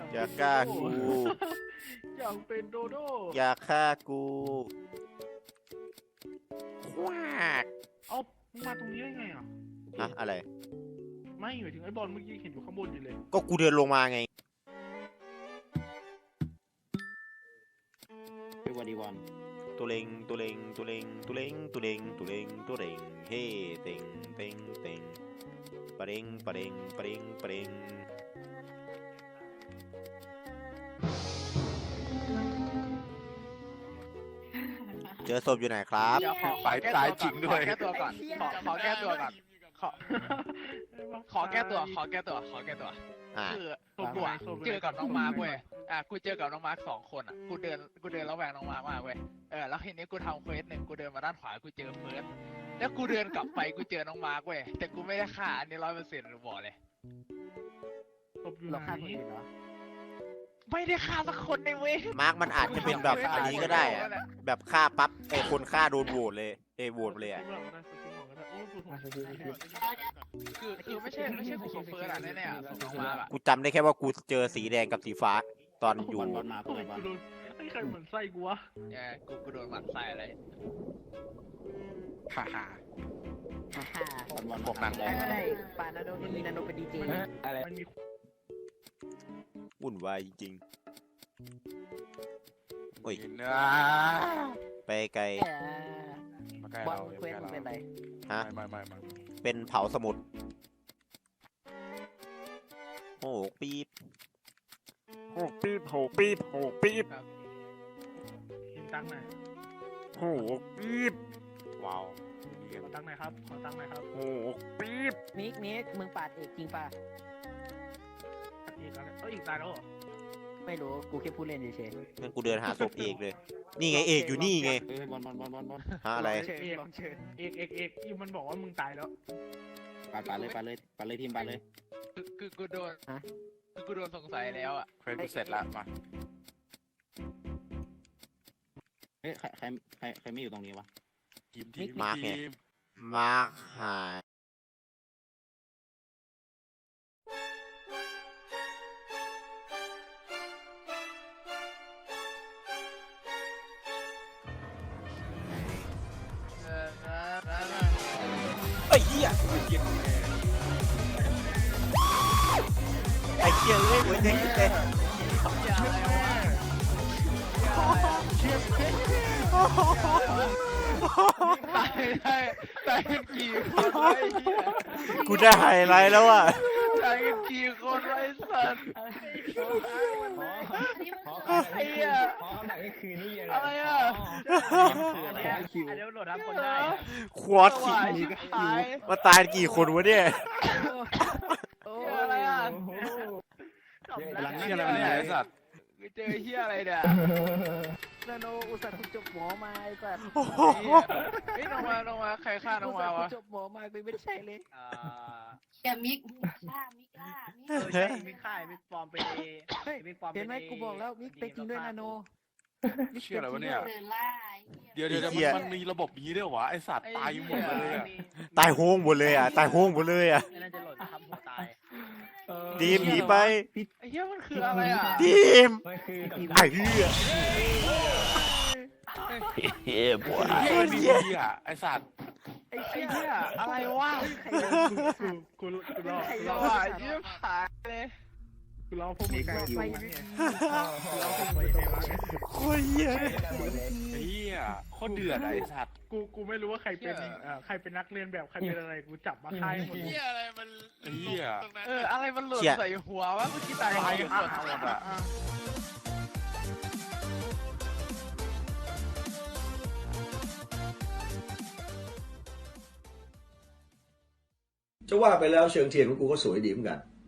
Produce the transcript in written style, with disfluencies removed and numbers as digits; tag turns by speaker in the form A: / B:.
A: อย่าฆ่ากู
B: อยากเป็นโดโด
A: อย่าฆ่ากูควาก
B: เอ้ามึงมาตรงนี้ได้ไงอ่ะ
A: ฮะอะไร
B: ไม่หมายถึงไอ้บอลเมื่อกี้เห็นอยู่ข้างบนอยู่เลย
A: ก็กูเดินลงมาไง
C: เป็นวันดีวัน
A: ตัวเล็งตัวเล็งตัวเล็งตัวเล็งตัวเล็งตัวเล็งตัวเล็งเฮ้เต็งเต็งเต็งปะเร็งปะเร็งปะเร็งปะเร็งเจอศพอยู่ไหนครับ
D: เดี๋ยวขอ
E: ไปตายจริงด้วย
D: ขอแก้ตัวก่อนขอแก้ตัวก่อนขอแก้ตัว
A: อ่า
D: คือกูอะเจอกับน้องมาร์คเว้ยกูเจอกับน้องมาร์ค2 คนอ่ะกูเดินระแวงน้องมาร์คมากเว้ยแล้วทีนี้กูทำเควสหนึ่งกูเดินมาด้านขวากูเจอเฟิร์สแล้วกูเดินกลับไปกูเจอน้องมาร์คเว้ยแต่กูไม่ได้ฆ่าอันนี้100%หรือบอกเลย
B: ศพอยู่
C: เรา
B: ไหน
C: ฆ่าคนอื่นเหรอ
D: ไม่ได้ฆ่าสักคนในเว้ย
A: มาร์กมันอาจจะเป็นแบบอันนี้ก็ได้อะแบบฆ่าปั๊บไอ้คนฆ่าโดนโหวตเลยโหวตเลยอะ
D: คือไม่ใช่กูกับเฟิร์สอะแน่ๆอะน้องมาร์คอะ
A: กูจำได้แค่ว่ากูเจอสีแดงกับสีฟ้าตอนอยู่
C: บอลมา
B: โอ้ยกูโดนไอ้ใครเหมือนไส้กูวะ
D: กูโดนหมัดใส่อะไร
E: ฮ่าฮ่า
C: บอล
E: พวกนางมอง
C: ไม่ได้ปานาโดนี่นาโดเป็นดีเจอะไร
B: มันมี
A: วุ่นวายจริงๆโอ้ย
E: เนื้อ
A: ไปไกล
E: มาใกล้
C: บอล
E: เรา
C: เควสมันเป็นไร
A: ฮะ
E: ไม่
A: เป็นเผาสมุดโอ้ปี๊บ
E: โหปี๊บโหปี๊บโหปี๊บ
B: เห็นตังค์หน่อย
E: โหปี๊บว้าว
B: ขอตังค์หน่อยครับขอตังค์หน่อยครับ
E: โหปี๊บ
C: มิกมึงปาดเอกจริงป่ะ
B: อีกแล้วอีกตายแล้วเหรอ
C: ไม่รู้กูแค่พูดเล่นเฉย
A: งั้นกูเดินหาศพเอกเลย นี่ไงเอกอยู่นี่ไง
C: บอล
A: ฮะอะไร
C: เชิญลองเชิญ
B: เอกอีมันบอกว่ามึงตายแล้ว
C: ปาเลยทีมปาเลย
D: คือกูโดนกูโดนสงสัยแล้วอ่ะ
E: เควสกูเสร็จแล้วมา
C: เฮ้ยใครไม่อยู่ตรงนี้วะ
E: ทีม
A: มาร์คไง มาร์คหายไอ้เหี้ยไอ้เหี้ยเอ้ยหัวใจคิดเลย
D: ตายกันกี่คนไอ้เหี้ย
A: กูได้ไฮไลท์แล้วอ่ะ
D: ตายกันกี่คนไอ้สัตว์ไอ้เหี้ยอะไรอ่ะ
B: อันนี้โหลดรับคนได้
A: ควอต
D: สวายชิบหาย
A: มาตายกี่คนวะเนี่ย
D: อะไรอ่ะ
E: กำลังเชี่ยอะไรวะเนี่ยไอ้สัตว์
D: กูเจอเหี้ยอะไรเนี่ย
C: นาโนอุตส่าห์กูจบหมอมาไอ้สัส
D: เฮ้ยน้องมาใครฆ่าน้องมาวะ
C: จบหมอมาไม่ได้ใช่เลย
F: แกมิกฆ่ามิกล่ามิก
B: ใช่มิกค่ายมิกปลอมเป็นเอมิกปลอม
C: เห็นไหมกูบอกแล้วมิกเป็นจริงด้วยนาโน
E: เชี่ยอะไรวะเนี่ย
F: เดินล่า
E: เดี๋ยวมันมีระบบนี้ด้วยวะไอสัตว์ตายหมดเลยอะ
A: ตายโฮงหมดเลยอ่ะ ตายโฮงหมดเลยอ่ะ
B: น่าจะโหลดทำหัวตาย
A: ดีมหนีไป
D: ไอ้เหี้ยมันคืออะไรอ่ะ
A: ดีมไอ้เหี้ย
E: เฮ้ยบัวดีอ่ะไอสัตว์
D: ไอ้เหี้ยอะไรวะ
B: กูรอ
D: สวายชิบหายเลย
B: กูรอพวกมึง
C: ไป
B: กูรอพวกมึงไปวะ
A: โคตรเหี้ย
E: ไอ้เหี้ยโคตรเดือดไอสัตว์
B: กูไม่รู้ว่าใครเป็นใครเป็นนักเรียนแบบใครเป็นอะไรกูจับมาค่ายหมด
E: ไอ้เหี้ย
D: อะไรมันหล่นใส่หัววะเมื่อกี้ตาย
E: ตาย
D: กัน
E: กันหมดอะ
G: จะว่าไปแล้วเชิงเทียนของกูก็สวยดีเหมือนกัน